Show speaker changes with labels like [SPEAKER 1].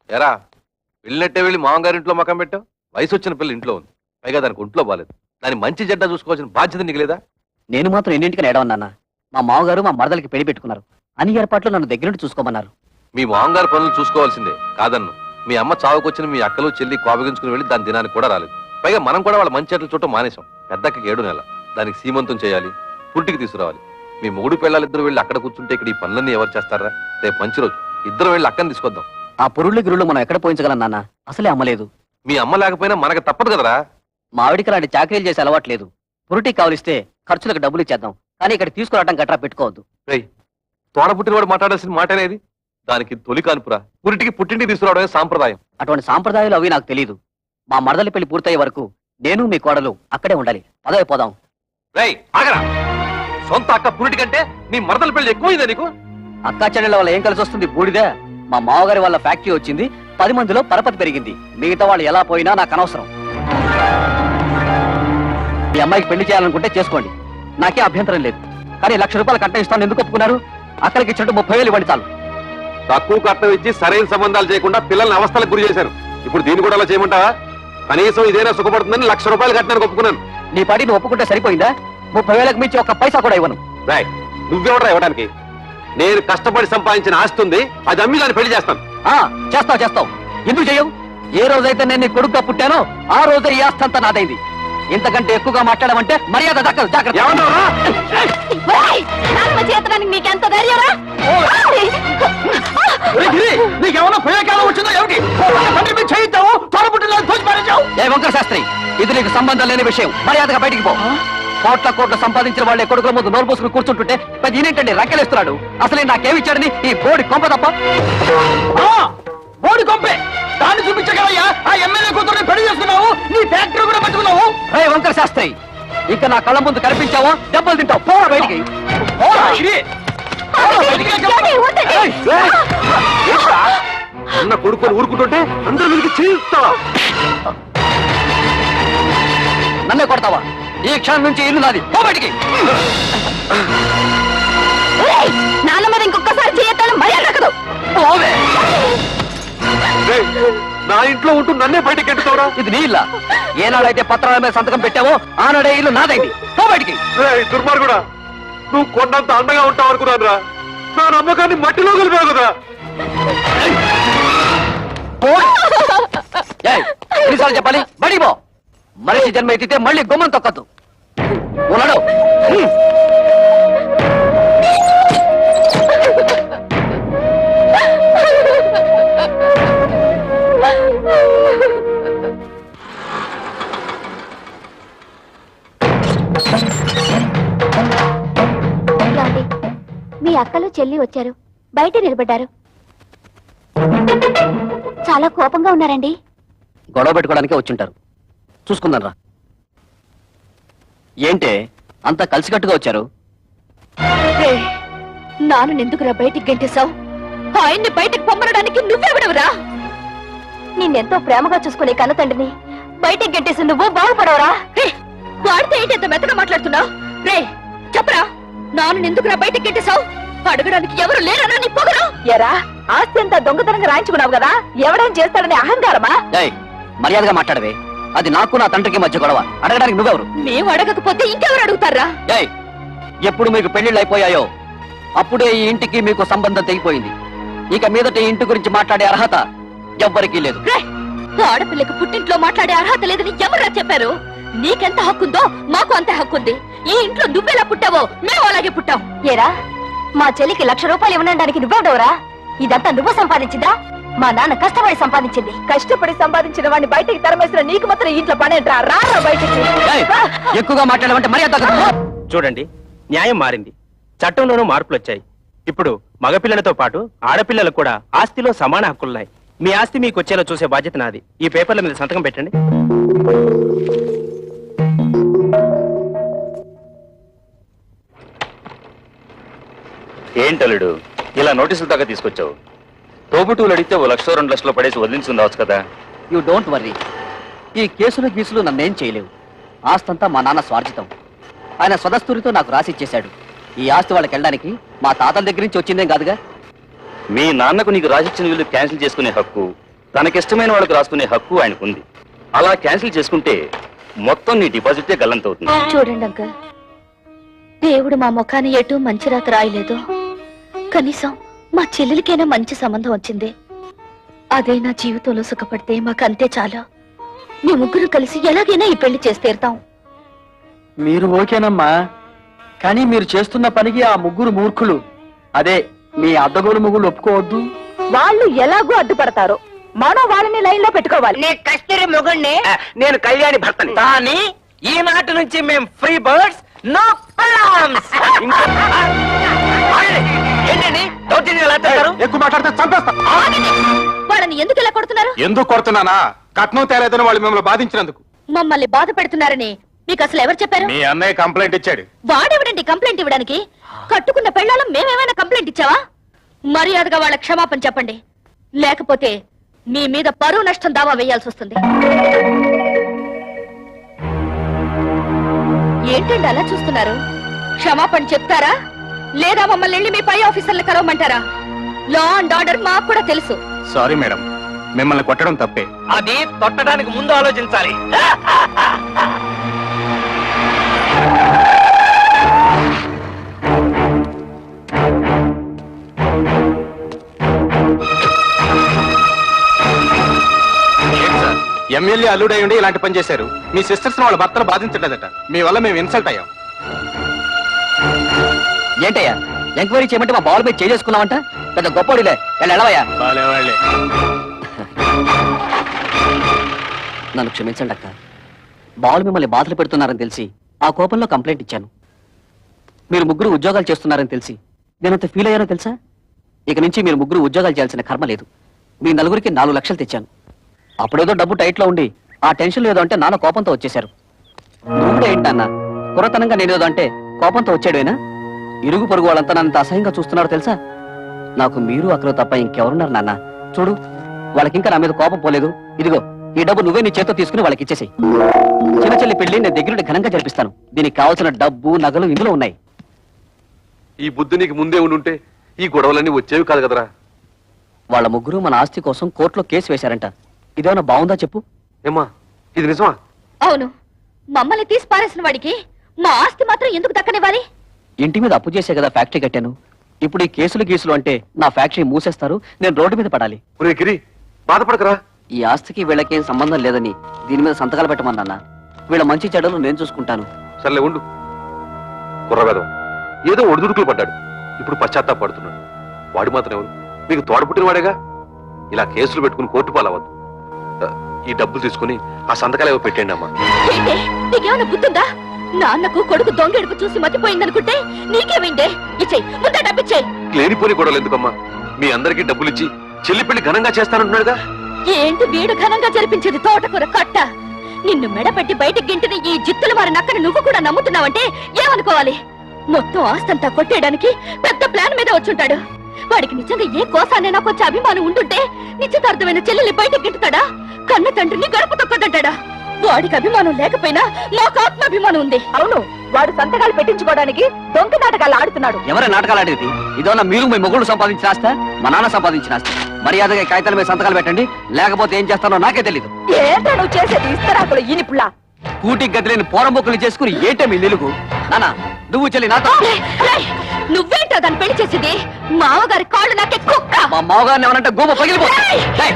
[SPEAKER 1] ఎరా వెళ్ళినట్టే వెళ్ళి మామగారి ఇంట్లో మకం పెట్టావు. వయసు వచ్చిన పిల్ల ఇంట్లో ఉంది, పైగా దానికి ఒంట్లో బాలేదు. దాని మంచి జడ్డ చూసుకోవాల్సిన బాధ్యత నీకు లేదా?
[SPEAKER 2] నేను మాత్రం ఎన్నింటికని ఏడవన్నా. మా మామగారు మా మరదలకి పెళ్లి పెట్టుకున్నారు. అన్ని ఏర్పాట్లు నన్ను దగ్గర నుండి చూసుకోమన్నారు.
[SPEAKER 1] మీ మామగారు పనులు చూసుకోవాల్సిందే కాదన్ను. మీ అమ్మ చావుకొచ్చిన మీ అక్కలు చెల్లి కోపగించుకుని వెళ్ళి దాని దినానికి కూడా రాలేదు. పైగా మనం కూడా వాళ్ళ మంచి చెట్లు చూడటం మానేశాం. పెద్దక్కకి 7 నెలల, దానికి సీమంతం చేయాలి, పుట్టికి తీసుకురావాలి. మీ మూడు పిల్లలిద్దరు వెళ్ళి అక్కడ కూర్చుంటే ఇక్కడ ఈ పనులన్నీ ఎవరు చేస్తారా? రేపు మంచి రోజు, ఇద్దరు వెళ్ళి అక్కని తీసుకొద్దాం.
[SPEAKER 2] ఆ పురుళ్ళు గిరుళ్ళు మనం ఎక్కడ పోయించగలం నాన్న? అసలే అమ్మలేదు.
[SPEAKER 1] మీ అమ్మ లేకపోయినా మనకు తప్పదు కదరా.
[SPEAKER 2] మా ఆవిడికి అలాంటి చాకరీలు చేసే అలవాట్లేదు. పురుటికి కావలిస్తే ఖర్చులకు డబ్బులు ఇచ్చేద్దాం, కానీ ఇక్కడ తీసుకురావడం గట్రా పెట్టుకోవద్దు.
[SPEAKER 1] తోడ పుట్టినవాడు మాట్లాడాల్సిన మాట అనేది. దానికి తొలి కానుపురా, పురిటికి పుట్టింటికి తీసుకురావడమే సాంప్రదాయం.
[SPEAKER 2] అటువంటి సాంప్రదాయాలు అవి నాకు తెలియదు. మా మరదలి పెళ్లి పూర్తయ్యే వరకు నేను మీ కోడలు అక్కడే ఉండాలి. పదవి పోదాం.
[SPEAKER 1] ఆగరా, సొంత అక్క పురిటి కంటే నీ మరదల పెళ్లి ఎక్కువైందా నీకు?
[SPEAKER 2] అక్కా చెల్లెళ్ళ వల్ల ఏం కలిసి వస్తుంది? బూడిదే. మా మామగారి వాళ్ళ ఫ్యాక్టరీ వచ్చింది, 10 మందిలో పరపతి పెరిగింది. మిగతా వాళ్ళు ఎలా పోయినా నాకు అనవసరం. మీ అమ్మాయికి పెళ్లి చేయాలనుకుంటే చేసుకోండి, నాకే అభ్యంతరం లేదు. కానీ ₹1,00,000 కట్నం ఇస్తాను ఎందుకు ఒప్పుకున్నారు? అక్కడికి ఇచ్చినట్టు 30,000 ఇవ్వండి చాలు.
[SPEAKER 1] తక్కువ కట్నం ఇచ్చి సరైన సంబంధాలు చేయకుండా పిల్లల్ని అవస్థలకు గురి చేశారు. ఇప్పుడు దీన్ని కూడా అలా చేయమంటావా? కనీసం ఇదేనా సుఖపడుతుందని ₹1,00,000 కట్టానికి ఒప్పుకున్నాను.
[SPEAKER 2] నీ పాటి నువ్వు ఒప్పుకుంటే సరిపోయిందా? 30,000కి మించి 1 పైసా కూడా ఇవ్వను.
[SPEAKER 1] నువ్వెవడా ఇవ్వడానికి? నేను కష్టపడి సంపాదించిన ఆస్తి ఉంది, అది అమ్మి దాన్ని పెళ్లి చేస్తాను.
[SPEAKER 2] చేస్తావు. ఎందుకు చెయ్యవు? ఏ రోజైతే నేను నీ కొడుకుగా పుట్టానో ఆ రోజే ఈ ఆస్తి అంతా నాదైంది. ఇంతకంటే ఎక్కువగా మాట్లాడమంటే మర్యాద దక్కదు. జాగ్రత్త. వంకర శాస్త్రి, ఇది నీకు సంబంధం లేని విషయం. మర్యాదగా బయటికి పో. కోట్ల సంపాదించిన వాళ్ళే కొడుకుల ముందు నోరు పోసుకుని కూర్చుంటుంటే పెద్ద ఈయనేంటండి రక్కెలేస్తున్నాడు. అసలే నాకేమిచ్చాడని ఈ బోడి కొంప తప్ప. బోడి కొంపే, దాన్ని చూపించగలయ్యా. ఆ ఎమ్మెల్యే కూతురుని పెళ్లి చేసుకున్నావు, నీ ఫ్యాక్టరీ కూడా పట్టుకున్నావు. వంకర శాస్త్రి, ఇంకా నా కళ్ళ ముందు కనిపించావో దెబ్బలు తింటావు. పోరా బయటికి.
[SPEAKER 1] అన్న కొడుకుని ఊరుకుంటుంటే అందరూ వీరికి చేయిస్తావా?
[SPEAKER 2] నన్నే కొడతావా? ఈ క్షణం నుంచి ఇల్లు నాది. పో బయటికి.
[SPEAKER 3] నాన్న మీద ఇంకొకసారి చేయొద్దని మర్యాద దక్కదు.
[SPEAKER 1] నా ఇంట్లో ఉంటూ నన్నే బయటకి ఎట్టుతావురా?
[SPEAKER 2] ఇది నీ ఇల్లా? ఏనాడైతే పత్రాల మీద సంతకం పెట్టావో ఆనాడే ఇల్లు నాదైంది. పో బయటికి.
[SPEAKER 1] దుర్మార్గుడా, నువ్వు కొండంత అండగా ఉంటావు అనుకున్నాను రా. నా నమ్మకాన్ని మట్టిలో కలిపావు కదా.
[SPEAKER 2] ఎన్నిసార్లు చెప్పాలి? బడి పో. మనిషి జన్మ ఎత్తితే మళ్ళీ గుమ్మం తొక్కద్దు. ఉన్నాడు.
[SPEAKER 3] మీ అక్కలు చెల్లి వచ్చారు, బయట నిలబడ్డారు. చాలా కోపంగా ఉన్నారండి.
[SPEAKER 2] గొడవ పెట్టుకోవడానికే వచ్చుంటారు. చూసుకుందాం రా. ఏంటే అంతా కలిసికట్టుగా వచ్చారు?
[SPEAKER 3] నాన్న ఎందుకురా బయటికి గెంటేశావు? ఆయన్ని బయటికి పొమ్మనడానికి నువ్వెవడవురా? నిన్నెంతో ప్రేమగా చూసుకునే కన్నతండ్రిని బయటికి గెంటేసి నువ్వు బాగుపడవరా? వాడితే ఏంటి ఎంత మెత్తగా మాట్లాడుతున్నావు? రే చెప్పరా, నాన్న ఎందుకురా బయటికి గెంటేశావు? అడగడానికి ఎవరు లేరనా నీ పొగరు? ఎరా, ఆస్తి అంతా దొంగతనంగా రాయించుకున్నావు కదా, ఎవడేం చేస్తాడని అహంకారమా?
[SPEAKER 2] మర్యాదగా మాట్లాడవే. అది నాకు నా తండ్రికి మధ్య గొడవ. అడగడానికి నువ్వెవరు?
[SPEAKER 3] మేము అడగకపోతే ఇంకెవరు అడుగుతారా?
[SPEAKER 2] ఎప్పుడు మీకు పెళ్లిళ్ళు అయిపోయాయో అప్పుడే ఈ ఇంటికి మీకు సంబంధం తెగిపోయింది. ఇక మీదట ఈ ఇంటి గురించి మాట్లాడే అర్హత ఎవ్వరికీ లేదు.
[SPEAKER 3] ఆడపిల్లకు పుట్టింట్లో మాట్లాడే అర్హత లేదని ఎవరా చెప్పారు? నీకెంత హక్కుందో మాకు అంతే హక్కుంది. ఈ ఇంట్లో నువ్వెలా పుట్టావో మేము అలాగే పుట్టాం. ఏరా, మా చెల్లికి ₹1,00,000 ఇవ్వడానికి నువ్వెవడవరా? ఇదంతా నువ్వు సంపాదించిందా? మా నాన్న కష్టపడి సంపాదించింది. కష్టపడి సంపాదించిన వాడిని బయటికి తరమేసిన నీకు మాత్రం ఇంట్లో పనేంట్రా? రా బయటికి.
[SPEAKER 2] ఎక్కువగా మాట్లాడమంటే మర్యాద.
[SPEAKER 4] చూడండి, న్యాయం మారింది, చట్టంలోనూ మార్పులు వచ్చాయి. ఇప్పుడు మగపిల్లలతో పాటు ఆడపిల్లలకు కూడా ఆస్తిలో సమాన హక్కులున్నాయి. మీ ఆస్తి మీకు వచ్చేలా చూసే బాధ్యత నాది. ఈ పేపర్ల మీద సంతకం పెట్టండి.
[SPEAKER 5] ఏంటలుడు ఇలా నోటీసులు దాకా తీసుకొచ్చావు? తోబుటూలు అడిగితే ₹1,00,000 2 లక్షలు పడేసి వదిలించుకుందావచ్చు కదా.
[SPEAKER 2] You don't worry. ఈ కేసులు గీసులు నన్నేం చేయలేవు. ఆస్తంతా మా నాన్న స్వార్జితం. ఆయన స్వదస్తూరితో నాకు రాసిచ్చేశాడు. ఈ ఆస్తి వాళ్ళకి వెళ్ళడానికి మా తాతల దగ్గర నుంచి వచ్చిందేం కాదుగా.
[SPEAKER 5] మీ నాన్నకు నీకు రాసిచ్చిన వీళ్ళు క్యాన్సిల్ చేసుకునే హక్కు తనకిష్టమైన వాళ్ళకు రాసుకునే హక్కు ఆయనకుంది. అలా క్యాన్సిల్ చేసుకుంటే మొత్తం నీ డిపాజిటే గల్లంతవుతుంది.
[SPEAKER 3] చూడండి అంకల్, దేవుడు మా ముఖాన్ని ఎటు మంచి రాత రాయలేదు. కనీసం మా చెల్లెలికైనా మంచి సంబంధం వచ్చింది. అదే నా జీవితంలో సుఖపడితే మాకంతే చాలా. మీ ముగ్గురు కలిసి ఎలాగైనా ఈ పెళ్లి చేసి తీరుతాం.
[SPEAKER 2] మీరు ఓకేనమ్మా, కానీ మీరు చేస్తున్న పనికి ఆ ముగ్గురు మూర్ఖులు, అదే మీ అద్దగోలు ముగ్గురు ఒప్పుకోవద్దు.
[SPEAKER 3] వాళ్ళు ఎలాగో అడ్డుపడతారు, మనం వాళ్ళని లైన్ లో పెట్టుకోవాలి.
[SPEAKER 4] నీ కస్తూరి మొగుణ్ణి, నేను కళ్యాణి భర్తని. కానీ ఈనాటి నుంచి మేము ఫ్రీ బర్డ్స్, నో ప్రాబ్లమ్స్. ఏంటండి దౌర్జన్యం ఎలా చేస్తారు?
[SPEAKER 6] ఎక్కువ మాట్లాడితే చంపేస్తా.
[SPEAKER 3] వాళ్ళని ఎందుకు ఇలా కొడుతున్నారు?
[SPEAKER 6] ఎందుకు కొడుతున్నానా? కట్నం తేలేదని వాళ్ళు మిమ్మల్ని బాధించినందుకు.
[SPEAKER 3] మమ్మల్ని బాధ పెడుతున్నారని మీకు అసలు ఎవరు చెప్పారు?
[SPEAKER 6] మీ అన్నయ్య కంప్లైంట్ ఇచ్చాడు.
[SPEAKER 3] వాడెవడండి కంప్లైంట్ ఇవ్వడానికి? కట్టుకున్న పెళ్ళాలం మేమేమైనా కంప్లైంట్ ఇచ్చావా? మర్యాదగా వాళ్ళ క్షమాపణ చెప్పండి, లేకపోతే మీ మీద పరువు నష్టం దావా వేయాల్సి వస్తుంది. ఏంటండి అలా చూస్తున్నారు? క్షమాపణ చెప్తారా లేదా మమ్మల్ని వెళ్ళి మీ పై ఆఫీసర్లు కలవమంటారా? లా అండ్ ఆర్డర్ మాకు కూడా తెలుసు.
[SPEAKER 6] సారీ మేడం, మిమ్మల్ని కొట్టడం తప్పే.
[SPEAKER 4] అది తొట్టడానికి ముందు ఆలోచించాలి.
[SPEAKER 6] ఎమ్మెల్యే అల్లుడై ఉండి ఇలాంటి పని చేశారు. మీ సిస్టర్స్ వాళ్ళ భర్తలు బాధించలేదట. మీ వల్ల మేము ఇన్సల్ట్ అయ్యాం.
[SPEAKER 2] ఏంటయ్యా ఎంక్వైరీ చేయమంటే మా బాల్ మీద చేసుకున్నావంట? పెద్ద గొప్పడిలే, ఎలవయ్యా.
[SPEAKER 6] వాళ్ళే
[SPEAKER 2] నన్ను క్షమించండి అక్క, బాలు మిమ్మల్ని బాధలు పెడుతున్నారని తెలిసి ఆ కోపంలో కంప్లైంట్ ఇచ్చాను. మీరు ముగ్గురు ఉద్యోగాలు చేస్తున్నారని తెలిసి నేనంత ఫీల్ అయ్యానో తెలుసా? ఇక నుంచి మీరు ముగ్గురు ఉద్యోగాలు చేయాల్సిన కర్మ లేదు. మీ నలుగురికి 4 లక్షలు తెచ్చాను. అప్పుడేదో డబ్బు టైట్ లో ఉండి ఆ టెన్షన్ ఏదో అంటే నాన్న కోపంతో వచ్చేశారు. నువ్వు కూడా ఏంటన్నా కురతనంగా నేనేదో అంటే కోపంతో వచ్చాడేనా? ఇరుగు పొరుగు వాళ్ళంతా నన్ను అసహ్యంగా చూస్తున్నారు తెలుసా? నాకు మీరు అక్కడ తప్ప ఇంకెవరున్నారు నాన్న? చూడు, వాళ్ళకింకా నా మీద కోపం పోలేదు. ఇదిగో ఈ డబ్బు నువ్వే నీ చేత్తో తీసుకుని వాళ్ళకి ఇచ్చేసేయ్. చిన్న చెల్లి పెళ్లి నేను దగ్గరుండి ఘనంగా జరిపిస్తాను. దీనికి కావాల్సిన డబ్బు నగలు ఇందులో ఉన్నాయి.
[SPEAKER 1] ఈ బుద్ధి నీకు ముందే ఉండుంటే ఈ గొడవలన్నీ వచ్చేవి కాదు కదరా.
[SPEAKER 2] వాళ్ళ ముగ్గురు మన ఆస్తి కోసం కోర్టులో కేసు వేశారంట. ఇదేమన్నా బాగుందా చెప్పు?
[SPEAKER 1] ఏమ్మా, ఇది నిజమా?
[SPEAKER 3] అవును, మమ్మల్ని తీసి పారేసిన వాడికి మా ఆస్తి మాత్రం ఎందుకు దక్కనివ్వాలి?
[SPEAKER 2] ఇంటి మీద అప్పు చేసే కదా ఫ్యాక్టరీ కట్టాను. ఇప్పుడు ఈ కేసులు అంటే నా ఫ్యాక్టరీ మూసేస్తారు, నేను రోడ్డు మీద పడాలి.
[SPEAKER 1] ఒరే గిరి, బాధపడకరా.
[SPEAKER 2] ఈ ఆస్తికి వీళ్ళకేం సంబంధం లేదని దీని మీద సంతకాలు పెట్టమన్నా. వీళ్ళ మంచి చెడ్డలు నేను చూసుకుంటాను.
[SPEAKER 1] సర్లే ఉండు. కుర్రవేదం ఏదో ఒడిదుడుకులు పడ్డాడు, ఇప్పుడు పశ్చాత్తాపడుతున్నాడు. వాడు మాత్రం ఎవరు? మీకు తోడపుట్టిన వాడేగా. ఇలా కేసులు పెట్టుకుని కోర్టు పాలవద్దు. ఈ డబ్బులు తీసుకుని ఆ సంతకాలు ఏవో పెట్టండి అమ్మా.
[SPEAKER 3] ఏంటి, నీకేమైనా బుద్ధుందా? నాన్నకు కొడుకు దొంగెడుకు చూసి మతిపోయిందనుకుంటే నీకేమైందే? ఇచ్చేయి, ముందే డబ్బిచ్చేయి.
[SPEAKER 1] లేనిపోని గొడవలు ఎందుకమ్మా? మీ అందరికీ డబ్బులు ఇచ్చి చెల్లి పెళ్లి ఘనంగా చేస్తానంటున్నాడుగా.
[SPEAKER 3] ఏంటి వీడు ఘనంగా జరిపించేది తోటకూర కట్ట? నిన్ను మెడపెట్టి బయటికి గింటిన ఈ జిత్తుల వారి నక్కని నువ్వు కూడా నమ్ముతున్నావంటే ఏమనుకోవాలి? మొత్తం ఆస్తంతా కొట్టేయడానికి పెద్ద ప్లాన్ మీద వచ్చుంటాడు. వాడికి నిజంగా ఏ కోసానైనా కొంచెం అభిమానం ఉండుంటే నిశ్చితార్థమైన చెల్లెల్ని బయటకి గింటుతాడా? కన్న తండ్రిని గడప తొక్కదంటాడా? వాడికి అభిమానం లేకపోయినా నాకు ఆత్మాభిమానం ఉంది. అవును, వాడు సంతకాలు పెట్టించుకోవడానికి దొంగ నాటకాలు ఆడుతున్నాడు.
[SPEAKER 2] ఎవరే నాటకాలు ఆడేది? ఇదోనా మీరు మీ మొగుళ్ళు సంపాదించిన ఆస్తా, మా నాన్న సంపాదించిన ఆస్తి? మర్యాదగా ఈ కాగితాల మీద సంతకాలు పెట్టండి, లేకపోతే ఏం చేస్తానో నాకే తెలీదు.
[SPEAKER 3] ఏంటో నువ్వు చేసేది ఇస్తరాకులు ఈనిపుల్లా.
[SPEAKER 2] కూటికి గదిలేని పోరంబొక్కులు చేసుకుని ఏంటే మీ నిలుగు? నాన్న, నువ్వు చెల్లి నాతో.
[SPEAKER 3] నువ్వేంటో దాన్ని పెళ్లి చేసేది? మామగారి కాళ్ళు నాకే కుక్క.
[SPEAKER 2] మా మావగారిని ఏమనంటే గోమ పగిలిపో.
[SPEAKER 3] ఏయ్!